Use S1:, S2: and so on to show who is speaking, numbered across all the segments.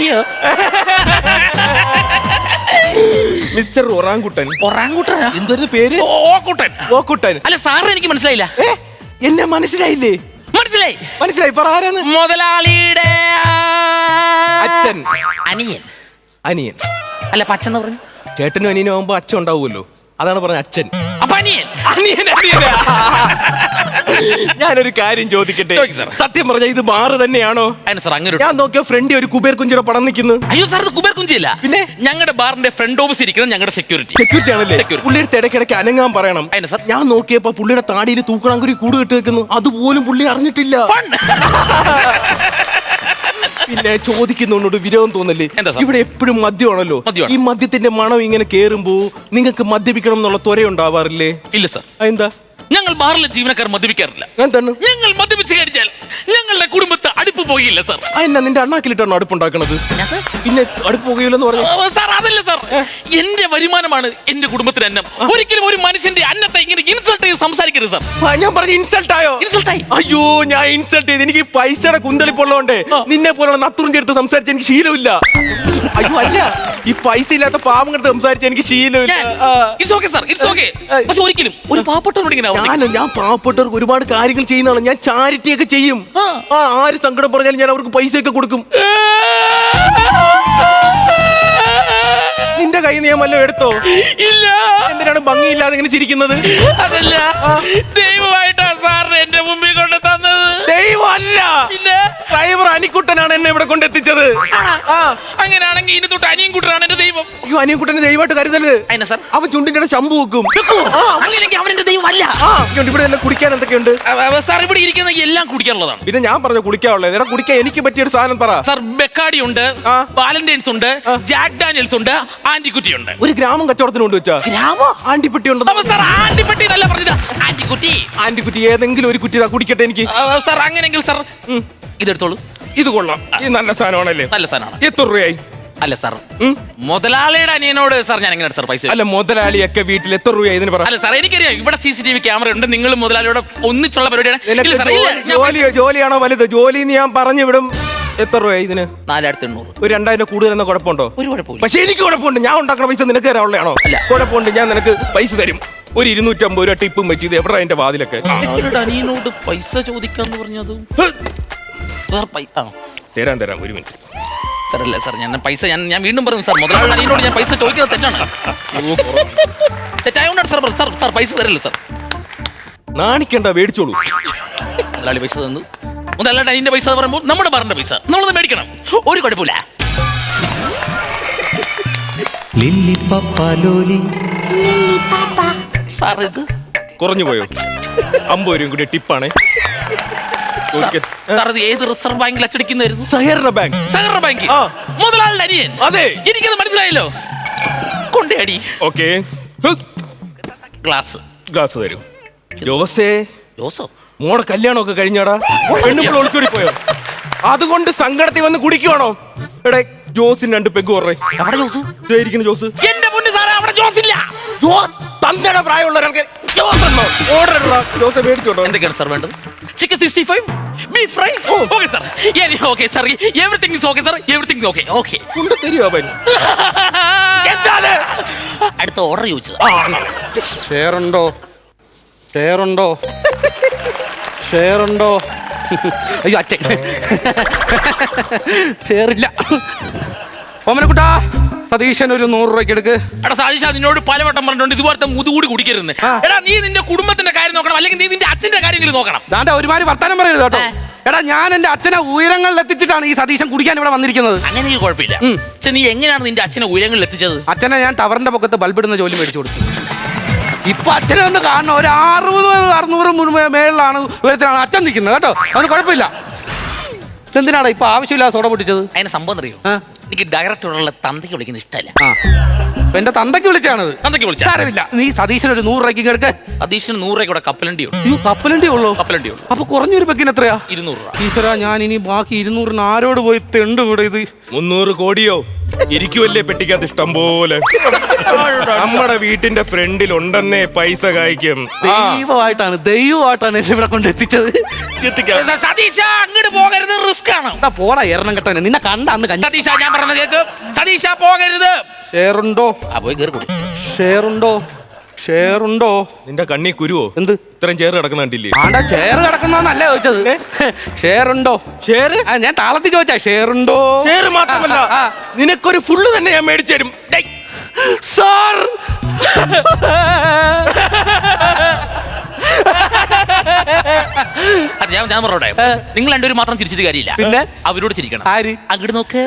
S1: അയ്യോ
S2: mister orangutan.
S1: ഒറാങ്കുട്ടനാ?
S2: എന്തൊരു പേര്?
S1: ഓക്കുട്ടൻ.
S2: ഓക്കുട്ടൻ.
S1: അല്ല സാറിന് എനിക്ക് മനസ്സിലായില്ല.
S2: എന്നെ മനസ്സിലായില്ലേ?
S1: മനസ്സിലായി
S2: മനസ്സിലായി. പറ ആരാന്ന്?
S1: മുതലാളിയുടെ
S2: അച്ഛൻ.
S1: അനിയൻ.
S2: അനിയൻ
S1: അല്ല പച്ചന്ന് പറഞ്ഞു.
S2: ചേട്ടനും അനിയനും ആവുമ്പോ അച്ഛൻ ഉണ്ടാവുമല്ലോ, അതാണ് പറഞ്ഞ അച്ഛൻ.
S1: അപ്പൊ അനിയൻ.
S2: അനിയൻ അനിയനാ. ഞാനൊരു കാര്യം ചോദിക്കട്ടെ? സത്യം പറഞ്ഞ ഇത് ബാറ് തന്നെയാണോ?
S1: സാർ അങ്ങനെ
S2: ഞാൻ നോക്കിയ ഫ്രണ്ട് ഒരു കുബേർ കുഞ്ചിയുടെ പടം നിൽക്കുന്നു.
S1: അയ്യോ സാർ ഇത് കുബേർ കുഞ്ചിയല്ല,
S2: പിന്നെ
S1: ഞങ്ങളുടെ ബാറിന്റെ ഫ്രണ്ട് ഓഫീസ് ഇരിക്കുന്നത് ഞങ്ങളുടെ സെക്യൂരിറ്റി
S2: ആണല്ലേ? പുള്ളിയുടെ ഇടയ്ക്കിടയ്ക്ക് അനങ്ങാൻ പറയണം. ഞാൻ നോക്കിയപ്പോ പുള്ളിയുടെ താടിയിൽ തൂക്കണാങ്കുരി കൂട് കെട്ടി വെക്കുന്നു, അതുപോലും പുള്ളി അറിഞ്ഞിട്ടില്ല. പിന്നെ ചോദിക്കുന്നോട് വിരോധം തോന്നല്ലേ? ഇവിടെ എപ്പോഴും മദ്യമാണല്ലോ. ഈ മദ്യത്തിന്റെ മണം ഇങ്ങനെ കേറുമ്പോ നിങ്ങൾക്ക് മദ്യപിക്കണം എന്നുള്ള ത്വര ഉണ്ടാവാറില്ലേ?
S1: ഇല്ല സാർ.
S2: എന്താ?
S1: ഞങ്ങൾ ബാറിലെ ജീവനക്കാർ മദ്യപിക്കാറില്ല.
S2: എന്താണ്?
S1: ഞങ്ങൾ മദ്യപിച്ച് കഴിച്ചാൽ ഞങ്ങളുടെ കുടുംബത്തെ അടുപ്പ് പോകില്ല സാർ.
S2: എന്നാ നിന്റെ അണ്ണാക്കിലിട്ടാണോ അടുപ്പുണ്ടാക്കണത്? പിന്നെ അടുപ്പ് പോകില്ലെന്ന് പറഞ്ഞു
S1: സാർ. അതല്ല സാർ, എന്റെ വരുമാനമാണ് എന്റെ കുടുംബത്തിന് അന്നം. ഒരിക്കലും ഒരു മനുഷ്യന്റെ അന്നത്തെ ഇങ്ങനെ ഇൻസൾട്ട് ചെയ്ത് സംസാരിക്കരുത് സാർ.
S2: ഞാൻ പറഞ്ഞ ഇൻസൾട്ട് ആയോ?
S1: ഇൻസൾട്ട് ആയി.
S2: അയ്യോ ഞാൻ ഇൻസൾട്ട് ചെയ്ത് എനിക്ക് പൈസയുടെ കുന്തളിപ്പുള്ളതുകൊണ്ട് നിന്നെ പോലെ നത്തുറും ചേർത്ത് സംസാരിച്ച് എനിക്ക് ശീലമില്ല. അയ്യോ അല്ല, ഈ പൈസ ഇല്ലാത്ത പാവങ്ങളുടെ സംസാരിച്ച് എനിക്ക് ശീലമില്ല.
S1: പക്ഷെ ഒരിക്കലും ഒരു പാവപ്പെട്ടവനോട് ഇങ്ങനെ
S2: ഞാൻ പാവപ്പെട്ടവർക്ക് ഒരുപാട് കാര്യങ്ങൾ ചെയ്യുന്നതാണ്. ഞാൻ ചാരിറ്റി ഒക്കെ ചെയ്യും. ആര് സങ്കടം പറഞ്ഞാലും ഞാൻ അവർക്ക് പൈസ ഒക്കെ കൊടുക്കും. നിന്റെ കയ്യിൽ നിന്ന് ഞാൻ വല്ലതും എടുത്തോ?
S1: ഇല്ല.
S2: എന്തിനാണ് ഭംഗിയില്ലാതെ ഇങ്ങനെ ചിരിക്കുന്നത്?
S1: അതല്ല, ദൈവമായിട്ടാ സാറിന് എന്റെ മുമ്പിൽ കൊണ്ട് തന്നത്.
S2: ദൈവമല്ല, ഡ്രൈവർ അനിക്കുട്ടനാണ് എന്നെ ഇവിടെ കൊണ്ടെത്തിച്ചത്.
S1: അങ്ങനെയാണെങ്കിൽ ഇനി തൊട്ട് അനിയൻകുട്ടനാണ് എന്റെ ദൈവം.
S2: അയ്യോ അനിയൻകുട്ടനെ ദൈവമായിട്ട് കരുതരുത്. അവൻ ചുണ്ടിന്റെ ശമ്പു വെക്കും.
S1: അങ്ങനെയെങ്കിൽ അവന്റെ ദൈവമല്ല.
S2: ഇവിടെ എല്ലാം കുടിക്കാൻ എന്തൊക്കെയുണ്ട്
S1: സാർ? ഇവിടെ ഇരിക്കുന്ന എല്ലാം കുടിക്കാനുള്ളതാണ്.
S2: പിന്നെ ഞാൻ പറഞ്ഞു കുടിക്കാനുള്ളത്. എടാ കുടിക്കാൻ എനിക്ക് പറ്റിയ ഒരു സാധനം പറ.
S1: സാർ ബെക്കാഡി ഉണ്ട്, വാലന്റൈൻസ് ഉണ്ട്, ജാക്ക് ഡാനിയൽസ് ഉണ്ട്, ആന്റിക്കുട്ടി ഉണ്ട്.
S2: ഒരു ഗ്രാമം കച്ചവടത്തിന് കൊണ്ടുവച്ചാ ആന്റിപ്പെട്ടി ഉണ്ട്.
S1: സാർ ആന്റിപ്പെട്ടി നല്ല പറഞ്ഞതാ. ആന്റിക്കുട്ടി.
S2: ആന്റിക്കുട്ടി ഏതെങ്കിലും ഒരു കുറ്റി കുടിക്കട്ടെ എനിക്ക്.
S1: സാർ അങ്ങനെയെങ്കിൽ സാർ ഇതെടുത്തോളൂ.
S2: ഇത് കൊള്ളാം. ഇത് നല്ല സാധനമാണല്ലേ?
S1: നല്ല സാധനമാണ്.
S2: എത്ര രൂപയായി?
S1: അല്ല സാർ, മുതലാളിയുടെ അനിയനോട് സാർ ഞാൻ എങ്ങനെ സാർ പൈസ?
S2: അല്ല മുതലാളിയൊക്കെ വീട്ടിൽ എത്ര രൂപ ഇതിന് പറ.
S1: അല്ല സാർ എനിക്കറിയാം ഇവിടെ CCTV ക്യാമറ ഉണ്ട്. നിങ്ങൾ മുതലാളിയോട് ഒന്നിച്ചുള്ള പരിപാടിയാണ്.
S2: ജോലിയാണോ വലുത്? ജോലി ഞാൻ പറഞ്ഞു വിടും. എത്ര രൂപ ഇതിന്?
S1: 4800.
S2: ഒരു 2000 കൂടുതൽ എന്ന കുഴപ്പമുണ്ടോ?
S1: ഒരു കുഴപ്പമില്ല.
S2: പക്ഷെ എനിക്ക് കുഴപ്പമുണ്ട്. ഞാൻ ഉണ്ടാക്കുന്ന പൈസ നിനക്ക് തരാനുള്ളതാണോ?
S1: അല്ല
S2: കുഴപ്പമുണ്ട്. ഞാൻ നിനക്ക് പൈസ തരും. ഒരു 250 രൂപ ടിപ്പും വെച്ച്. ഇത് എവിടെ അതിന്റെ വാതിലൊക്കെ?
S1: അനിയനോട് പൈസ ചോദിക്കാന്ന് പറഞ്ഞത്
S2: തരാം. ഒരു മിനിറ്റ്
S1: സാർ. അല്ല സാർ, ഞാൻ പൈസ ഞാൻ വീണ്ടും പറഞ്ഞു സാർ, മുതലാളി അനിയനോട് ഞാൻ പൈസ ചോദിക്കുന്നത് തെറ്റാണ്. തെറ്റായോണ്ടാണ് സാർ. സാർ പൈസ തരില്ല സാർ.
S2: നാണിക്കണ്ട, മേടിച്ചോളൂ.
S1: മുതലാളി പൈസ തന്നു. മുതലാളിയുടെ അനിയന്റെ പൈസ പറയുമ്പോൾ നമ്മുടെ ബാറിന്റെ പൈസ നമ്മളത് മേടിക്കണം. ഒരു കുഴപ്പമില്ല. സാർ ഇത്
S2: കുറഞ്ഞു പോയോ? 50 രൂപയും കൂടി ടിപ്പാണേ.
S1: സാർ ഇത് ഏത് റിസർവ് ബാങ്കിൽ അച്ചടിക്കുന്നതായിരുന്നു?
S2: സഹകരണ ബാങ്ക്.
S1: സഹകരണ ബാങ്ക്. മുതലാളിയുടെ അനിയൻ.
S2: അതെ,
S1: എനിക്കത് മനസ്സിലായല്ലോ. കൊണ്ടേടി.
S2: ഓക്കെ,
S1: ഗ്ലാസ്
S2: തരും. ജോസോ മോടെ കല്യാണമൊക്കെ കഴിഞ്ഞാടാ? പെണ്ണുമ്പോൾ ഒളിച്ചോടി പോയോ? അതുകൊണ്ട് സങ്കടത്തിൽ വന്ന് കുടിക്കുവാണോ? എടേ ജോസിന് 2 പെഗ് കുറേ. ജോസ്
S1: എന്റെ മുന്നിൽ സാറേ, അവിടെ ജോസ് ഇല്ല.
S2: ജോസ് തന്തയുടെ പ്രായമുള്ള ഒരാൾക്ക് ജോസ് മേടിച്ചോട്ടോ.
S1: എന്തൊക്കെയാണ് സാർ വേണ്ടത്? Chicken 65, beef fry. Okay sir. Okay sir, everything is okay sir. Everything okay. Okay
S2: കൊണ്ട് തരുമോ അവൻ?
S1: അടുത്ത ഓർഡർ ചോദിച്ചത്.
S3: ഷെയറുണ്ടോ? അയ്യോ അച്ഛൻ ഷെയറില്ല. ഓമനക്കുട്ടാ, സതീശൻ ഒരു 100 രൂപയ്ക്ക് എടുക്ക്.
S1: എടാ സതീശ, നിന്നോട് പലവട്ടം പറഞ്ഞിട്ടുണ്ട് ഇതുപോലത്തെ മുതുകൂടി കുടിക്കരുത്. എടാ നീ നിന്റെ കുടുംബത്തിന്റെ കാര്യം നോക്കണം, അല്ലെങ്കിൽ നീ നിന്റെ അച്ഛന്റെ കാര്യങ്ങൾ നോക്കണം.
S3: ദാണ്ട ഒരുമാതിരി വർത്താനം പറയരുത് കേട്ടോ. എടാ ഞാൻ എന്റെ അച്ഛനെ ഉയരങ്ങളിൽ എത്തിച്ചിട്ടാണ് ഈ സതീശൻ കുടിക്കാൻ ഇവിടെ വന്നിരിക്കുന്നത്.
S1: അങ്ങനെ കുഴപ്പമില്ല. പക്ഷെ നീ എങ്ങനെയാണ് നിന്റെ അച്ഛനെ ഉയരങ്ങളിൽ എത്തിച്ചത്?
S3: അച്ഛനെ ഞാൻ ടവറിന്റെ പൊക്കത്ത് ബൾബിടുന്ന ജോലി മേടിച്ചു കൊടുത്തു. ഇപ്പൊ അച്ഛനെ ഒന്ന് കാണണം. ഒരു 600-600 മേളിലാണ് ഉയരത്തിലാണ് അച്ഛൻ നിൽക്കുന്നത് കേട്ടോ. അവന് കുഴപ്പമില്ല. എന്തിനാണ് ഇപ്പൊ ആവശ്യമില്ല സോഡ പൊട്ടിച്ചത്?
S1: അതിന് സംഭവം അറിയോ? എനിക്ക് ഡയറക്ടറുള്ള തന്തയ്ക്ക് വിളിക്കുന്നത് ഇഷ്ടമല്ല.
S3: എന്റെ തന്തയ്ക്ക് വിളിച്ചാണത്.
S1: തന്തയ്ക്ക് വിളിച്ചാറില്ല.
S3: നീ സതീശന് ഒരു 100 രൂപയ്ക്ക് എടുക്ക.
S1: സതീശന് 100 രൂപ കപ്പലണ്ടി ഉണ്ട്.
S3: കപ്പലണ്ടി ഉള്ളൂ?
S1: കപ്പലണ്ടി ഉള്ളൂ.
S3: അപ്പൊ കുറഞ്ഞൊരു പെക്കിന് എത്രയാ?
S1: 200 രൂപ.
S3: ഈശ്വരാ, ഞാൻ ഇനി ബാക്കി 200 ആരോട് പോയി തെണ്ട് കൂടെ? ഇത്
S2: 300 കോടിയോ? ഇരിക്കുവല്ലേ പെട്ടിക്കകത്ത് ഇഷ്ടം പോലെ. നമ്മുടെ വീട്ടിന്റെ ഫ്രണ്ടിൽ ഉണ്ടെന്നേ പൈസ കായ്ക്കും.
S3: ദൈവമായിട്ടാണ് എന്നെ ഇവിടെ കൊണ്ട് എത്തിച്ചത്.
S1: സതീശ അങ്ങോട്ട് പോകരുത്, റിസ്ക് ആണ്.
S3: പോടാ എറണം കെട്ടാൻ, നിന്നെ കണ്ട അന്ന് കഞ്ഞി.
S1: സതീശ ഞാൻ പറഞ്ഞ കേക്ക്, സതീശ പോകരുത്.
S3: ഷെയറുണ്ടോ?
S1: പോയി കേറി കൂടി.
S3: ഷെയറുണ്ടോ?
S2: നിന്റെ കണ്ണി കുരുവോ?
S3: എന്ത്
S2: ഇത്രയും ചേറ് കിടക്കുന്ന കണ്ടില്ലേ?
S3: ആണ്ടാ ചെയർ കിടക്കുന്നല്ല ചോദിച്ചത്. ഷെയറുണ്ടോ?
S2: ഷെയർ
S3: ഞാൻ താളത്തിൽ ചോദിച്ചാ ഷെയറുണ്ടോ?
S2: ഷെയർ മാത്രമല്ല, നിനക്കൊരു ഫുള്ള് തന്നെ ഞാൻ മേടിച്ചു തരും.
S3: സാർ
S1: ഞാൻ പറഞ്ഞോട്ടെ, നിങ്ങൾ രണ്ടുപേരും മാത്രം ചിരിച്ചിട്ട് കാര്യമില്ല,
S3: പിന്നെ
S1: അവരോട് ചിരിക്കണം.
S3: ആര്?
S1: അങ്ങോട്ട് നോക്ക്.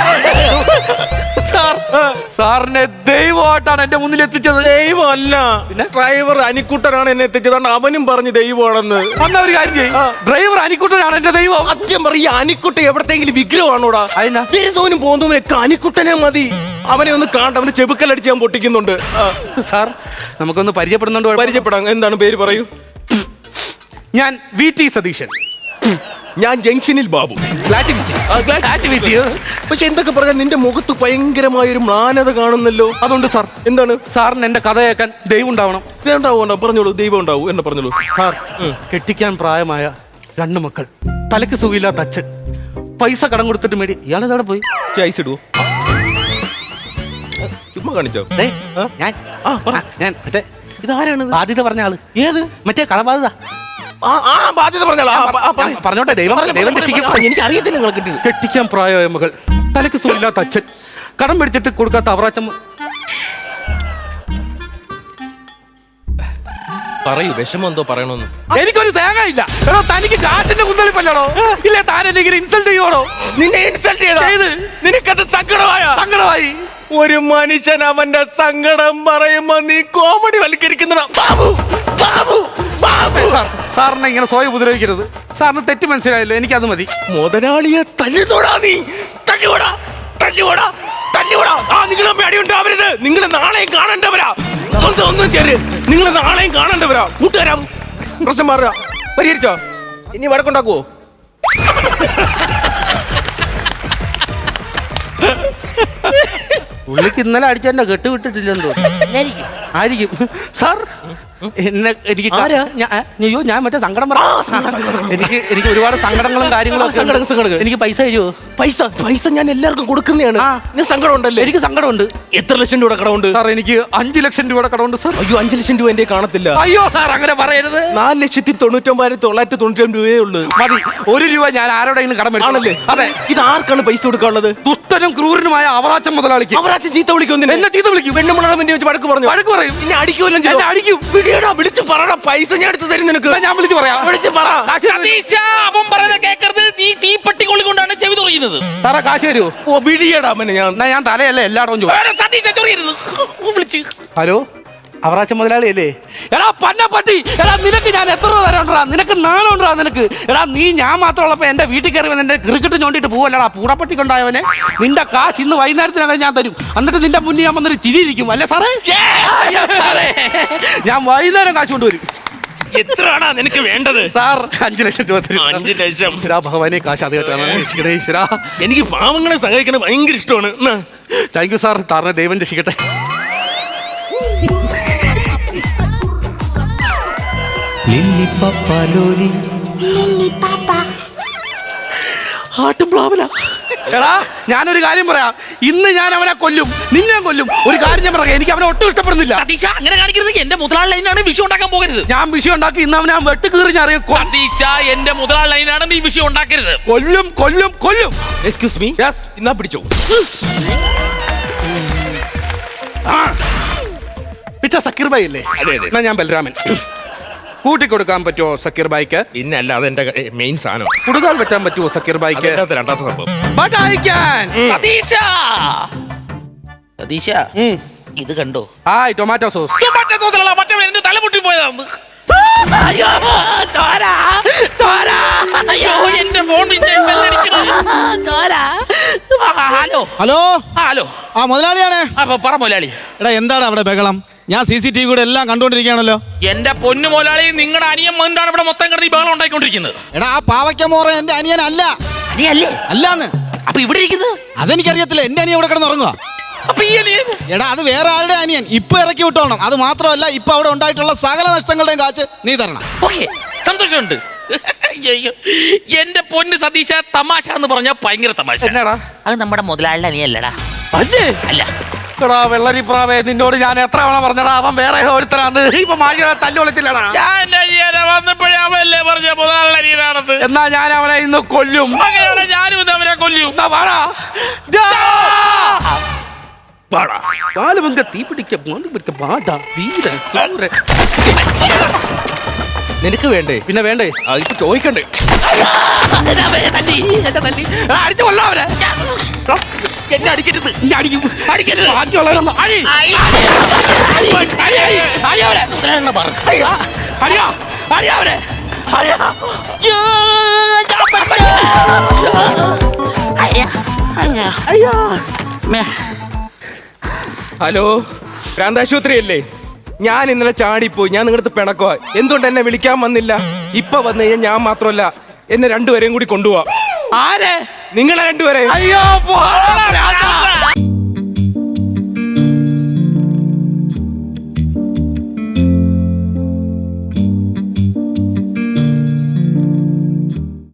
S3: സാറിനെ ദൈവമായിട്ടാണ് എന്റെ മുന്നിൽ എത്തിച്ചത്.
S2: ദൈവമല്ല, ഡ്രൈവർ അനിക്കുട്ടനാണ് എന്നെ എത്തിച്ചത്. അവനും പറഞ്ഞു ദൈവമാണെന്ന്.
S3: അന്ന ഒരു കാര്യം ചെയ്യും, ഡ്രൈവർ അനിക്കുട്ടനാണ് എന്റെ ദൈവം.
S2: സത്യം പറ, ഈ അനിക്കുട്ട എവിടത്തെങ്കിലും വിഗ്രഹമാണോടാ?
S3: അതിനാ
S2: വരുന്നവനും പോകുന്നവനൊക്കെ അനിക്കുട്ടനെ മതി. അവനെ ഒന്ന് കാണണ്ട, അവന് ചെബുക്കലടിച്ച് ഞാൻ പൊട്ടിക്കുന്നുണ്ട്.
S3: സാർ നമുക്കൊന്ന് പരിചയപ്പെടുന്നുണ്ട്.
S2: പരിചയപ്പെടാം. എന്താണ് പേര് പറയൂ?
S3: ഞാൻ VT സതീശൻ.
S2: ഞാൻ ജംഗ്ഷനിൽ ബാബു. പക്ഷെ എന്തൊക്കെ പറഞ്ഞാൽ നിന്റെ മുഖത്ത് ഭയങ്കരമായ ഒരു മ്ലാനത കാണുന്നല്ലോ.
S3: അതുകൊണ്ട് സാർ,
S2: എന്താണ്?
S3: സാറിന് എന്റെ കഥ കേൾക്കാൻ ദൈവം ഉണ്ടാവണം.
S2: പറഞ്ഞോളൂ. ദൈവം ഉണ്ടാവൂ എന്നെ പറഞ്ഞോളൂ.
S3: സാർ, കെട്ടിക്കാൻ പ്രായമായ 2 മക്കൾ, തലക്ക് സുഖമില്ലാത്ത അച്ഛൻ, പൈസ കടം കൊടുത്തിട്ട് മേടി. ഇയാളെവിടെ പോയി?
S2: ഐസ് ഇടുവോ? ചുമ്മാ കാണിച്ചോ?
S3: ഞാൻ മറ്റേ
S2: ഇതാരാണ്?
S3: ബാധ്യത പറഞ്ഞ ആള്.
S2: ഏത്?
S3: മറ്റേ കടബാധ്യത.
S2: ബാധ്യത പറഞ്ഞാളാ?
S3: പറഞ്ഞോട്ടെ. ദൈവം
S2: എനിക്ക് അറിയത്തില്ല. നിങ്ങൾ കിട്ടി.
S3: കെട്ടിക്കാൻ പ്രായമായ മകൾ, തലക്ക് സുഖമില്ലാത്ത അച്ഛൻ, കടം പിടിച്ചിട്ട് കൊടുക്കാത്ത അവറാച്ചൻ.
S2: പറയൂ, വിഷമം എന്തോ പറയണമെന്ന്.
S3: എനിക്കൊരു തേങ്ങ ഇല്ല. എടോ, തനിക്ക് കാശിന്റെ കുന്തളിപ്പല്ലോ? ഇല്ല, താൻ എന്നെ ഇൻസൾട്ട് ചെയ്യണോ?
S2: നിന്നെ ഇൻസൾട്ട് ചെയ്ത് നിനക്കത് സങ്കടമായി. ഒരു മനുഷ്യൻ അവന്റെ സങ്കടം പറയുമ്പോ നീ കോമഡി വൽക്കരിക്കുന്ന
S3: സാറിനെ ഇങ്ങനെ സ്വയം ഉപദ്രവിക്കരുത്. സാറിന് തെറ്റ് മനസ്സിലായല്ലോ, എനിക്കത് മതി.
S2: മുതലാളിയെ തല്ലിത്തോടാ നീ. തല്ലിയോടാ. നിങ്ങളെ പേടിയുണ്ടാവരുത്. നിങ്ങൾ നാളെയും കാണേണ്ടവരാ. നിങ്ങൾ നാളെയും കാണേണ്ടവരാ. കൂട്ടുകാരാ, പ്രശ്നം മാറുക. പരിഹരിച്ചോ? ഇനി വഴക്കുണ്ടാക്കുവോ?
S3: പുള്ളിക്ക് ഇന്നലെ അടിച്ചെന്നെ കെട്ട് വിട്ടിട്ടില്ലെന്തോ ആയിരിക്കും. സാർ, എനിക്ക് അയ്യോ, ഞാൻ മറ്റേ സങ്കടം പറയാം. എനിക്ക് ഒരുപാട് സങ്കടങ്ങളും കാര്യങ്ങളും. എനിക്ക് പൈസ തരുമോ?
S2: പൈസ ഞാൻ എല്ലാവർക്കും കൊടുക്കുന്നതാണ്. സങ്കടം ഉണ്ടല്ലേ?
S3: എനിക്ക് സങ്കടമുണ്ട്.
S2: എത്ര ലക്ഷം രൂപ കടമുണ്ട്?
S3: സാർ, എനിക്ക് 5 ലക്ഷം രൂപയുടെ കടമുണ്ട് സാർ.
S2: അയ്യോ, 5 ലക്ഷം രൂപ എന്റെ കാണത്തില്ല.
S3: അയ്യോ സാർ, അങ്ങനെ പറയരുത്.
S2: 4,99,990 രൂപയേ ഉള്ളൂ.
S3: മതി. 1 രൂപ ഞാൻ ആരോടെങ്കിലും കടം
S2: ആണല്ലേ?
S3: അതെ.
S2: ഇത് ആർക്കാണ് പൈസ കൊടുക്കാനുള്ളത്?
S3: ദുഷ്ടനും ക്രൂരനുമായ അവറാച്ചൻ മുതലാളിക്ക്.
S2: അവറാച്ചൻ ചീത്ത വിളിക്കും.
S3: എന്നെ ചീത്ത വിളിക്കും.
S2: പെണ്ണുമുളക് വെച്ച് വഴക്ക് പറയും. ഇനി അടിക്കുമല്ലോ.
S3: അടിക്കും.
S2: വിളിച്ചു പറയണ, പൈസ ഞാൻ എടുത്ത് തരും നിനക്ക്.
S3: ഞാൻ വിളിച്ചു പറയാം.
S2: വിളിച്ചു പറ.
S1: അവൻ പറയുന്നത് കേൾക്കരുത്. നീ തീപ്പെട്ടി കൊള്ളിക്കൊണ്ടാണ് ചെവി തുറയുന്നത്.
S3: സാറാ, കാശ് തരുമോ?
S2: ഓ, വിളിയടാ അവനെ.
S3: ഞാൻ തലയല്ല എല്ലായിടവും
S1: വിളിച്ച്.
S3: ഹലോ, അവറാച്ചൻ മുതലാളിയല്ലേ? എടാ പന്നപ്പട്ടി, എടാ നിനക്ക് ഞാൻ എത്ര രൂപ തരാണ്ടാ? നിനക്ക് നാണുണ്ടാ നിനക്ക്? എടാ, നീ ഞാൻ മാത്രമുള്ളപ്പോ എന്റെ വീട്ടിൽ കയറി വന്ന് എന്റെ ക്രിക്കറ്റ് ചോണ്ടിട്ട് പോവല്ലടാ പൂടപ്പട്ടി കൊണ്ടായവനെ. നിന്റെ കാശ് ഇന്ന് വൈകുന്നേരത്തിനാണ് ഞാൻ തരും. എന്നിട്ട് നിന്റെ മുന്നിൽ ഞാൻ വന്നൊരു ചിരിയിരിക്കും അല്ലേ സാറേ? ഞാൻ വൈകുന്നേരം കാശ് കൊണ്ടുവരും.
S2: എത്രയാണാ നിനക്ക് വേണ്ടത്?
S3: സാർ, 5 ലക്ഷം രൂപ തരും.
S2: 5 ലക്ഷം?
S3: ഭഗവാനെ, കാശ് ആദ്യമായിട്ടാണ്.
S2: എനിക്ക് പാവങ്ങളെ സഹായിക്കണത് ഭയങ്കര ഇഷ്ടമാണ്.
S3: Thank you sir. സാറിനെ ദൈവം രക്ഷിക്കട്ടെ. എടാ, ഞാനൊരു കാര്യം പറയാം. ഇന്ന് ഞാൻ അവനെ കൊല്ലും, നിന്നെ കൊല്ലും. ഒരു കാര്യം ഞാൻ പറയാം, എനിക്ക് അവനെ ഒട്ടും ഇഷ്ടപ്പെടുന്നില്ല.
S1: സതീശ, അങ്ങനെ കാണിക്കരുത്. എന്റെ മുതലാളി ലൈനാണ് വിഷയം ഉണ്ടാക്കാൻ പോകരുത്.
S3: ഞാൻ വിഷയം ഉണ്ടാക്കി ഇന്ന് അവനെ വെട്ട് കീറി ഞാൻ അറിയാം.
S1: സതീശ, എന്റെ മുതലാളി ലൈനാണ്, നീ വിഷയം ഉണ്ടാക്കരുത്.
S3: കൊല്ലും.
S2: Excuse me.
S3: യെസ്.
S2: എന്നാ പിടിച്ചോ.
S3: പിച്ച സക്കീർ ഭായി അല്ലേ?
S2: അതെ.
S3: എന്നാ ഞാൻ ബലരാമൻ. കൂട്ടിക്കൊടുക്കാൻ പറ്റുമോ സക്കീർ ഭായിക്ക്?
S2: പിന്നെ അല്ല, അതെന്റെ മെയിൻ സാധനം.
S3: കൊടുക്കാൻ പറ്റാൻ പറ്റുമോ സക്കീർ ഭായിക്ക്?
S2: രണ്ടാമത്തെ സംഭവം.
S3: But I can.
S1: സതീശ, ഇത് കണ്ടോ?
S3: Hi, tomato sauce.
S1: മറ്റേ തലമുട്ടി പോയതാണ്. അയ്യോ, എന്റെ ഫോൺ ഹലോ.
S4: ആ മുതലാളിയാണ്.
S1: പറ മുതലാളി.
S4: എടാ, എന്താണ് അവിടെ ബഹളം? ഞാൻ CCTV കൂടെ എല്ലാം കണ്ടോണ്ടിരിക്കുകയാണല്ലോ.
S1: എന്റെ പൊന്നു മുതലാളി, നിങ്ങളുടെ അനിയൻ മണ്ടാണ് ഇവിടെ മൊത്തം കിടന്ന് ഈ ബഹളം ഉണ്ടായിക്കൊണ്ടിരിക്കുന്നത്.
S4: എടാ, ആ പാവയ്ക്ക മോറ എന്റെ അനിയനല്ല.
S1: അനിയല്ലേ?
S4: അല്ലാന്ന്.
S1: അപ്പൊ ഇവിടെ ഇരിക്കുന്നത്
S4: അതെനിക്കറിയത്തില്ല. എന്റെ അനിയൻ ഇവിടെ കിടന്ന് ഉറങ്ങുക.
S1: അപ്പൊ ഈ അനിയൻ
S4: എടാ അത് വേറെ ആരുടെ അനിയൻ. ഇപ്പൊ ഇറക്കി വിട്ടോണം. അത് മാത്രമല്ല ഇപ്പൊ അവിടെ ഉണ്ടായിട്ടുള്ള സകല നഷ്ടങ്ങളുടെയും കാശ് നീ തരണം.
S1: ഓക്കെ, സന്തോഷമുണ്ട്. അയ്യോ, എന്റെ പൊന്ന് സതീശ, തമാശ എന്ന് പറഞ്ഞാൽ ഭയങ്കര തമാശ.
S3: എന്നാടാ
S1: അത് നമ്മുടെ മുതലാളിയുടെ അനിയല്ലടാ.
S3: അല്ലേ
S1: അല്ല,
S3: എടാ വെള്ളരിപ്രാവേ, നിന്നോട് ഞാൻ എത്ര തവണ പറഞ്ഞടാ അവൻ വേറെ ഒരുത്തരാന്ന്. ഇപ്പൊ മാഴ തല്ലു വിളിച്ചില്ലടാ.
S1: ഞാൻ അനിയനെ വന്നപ്പോഴേ അവല്ലേ പറഞ്ഞ മുതലാളിയുടെ അനിയനാണെന്ന്.
S3: എന്നാ ഞാൻ അവനെ ഇന്ന് കൊല്ലും.
S1: അങ്ങനെയാണ് ഞാനും ഇന്ന് അവനെ കൊല്ലും.
S3: എന്നാ വാടാ. പാലുപങ്ക തീ പിടിക്ക പാടാ വീര ക്രൂര.
S2: നിനക്ക് വേണ്ടേ?
S3: പിന്നെ വേണ്ടേ?
S2: ഇപ്പൊ ചോദിക്കണ്ടേ?
S3: അടിച്ചു കൊള്ളാം അവരെ.
S1: എന്നെ അടിക്കരുത്.
S3: അടിക്കും അടിക്കരുത്. ബാക്കിയുള്ളവരൊന്നും അടി അവരെ. അടിയാ അടിയാ അവരെ.
S2: ഹലോ, ഭ്രാന്താശുപത്രി അല്ലേ? ഞാൻ ഇന്നലെ ചാടിപ്പോയി. ഞാൻ നിങ്ങളുടെ പിണക്കോ. എന്തുകൊണ്ട് എന്നെ വിളിക്കാൻ വന്നില്ല? ഇപ്പൊ വന്നു കഴിഞ്ഞാൽ ഞാൻ മാത്രമല്ല, എന്നെ രണ്ടുപേരെയും കൂടി കൊണ്ടുപോവാ.
S3: ആരെ?
S2: നിങ്ങളെ രണ്ടുപേരെ.
S3: അയ്യോ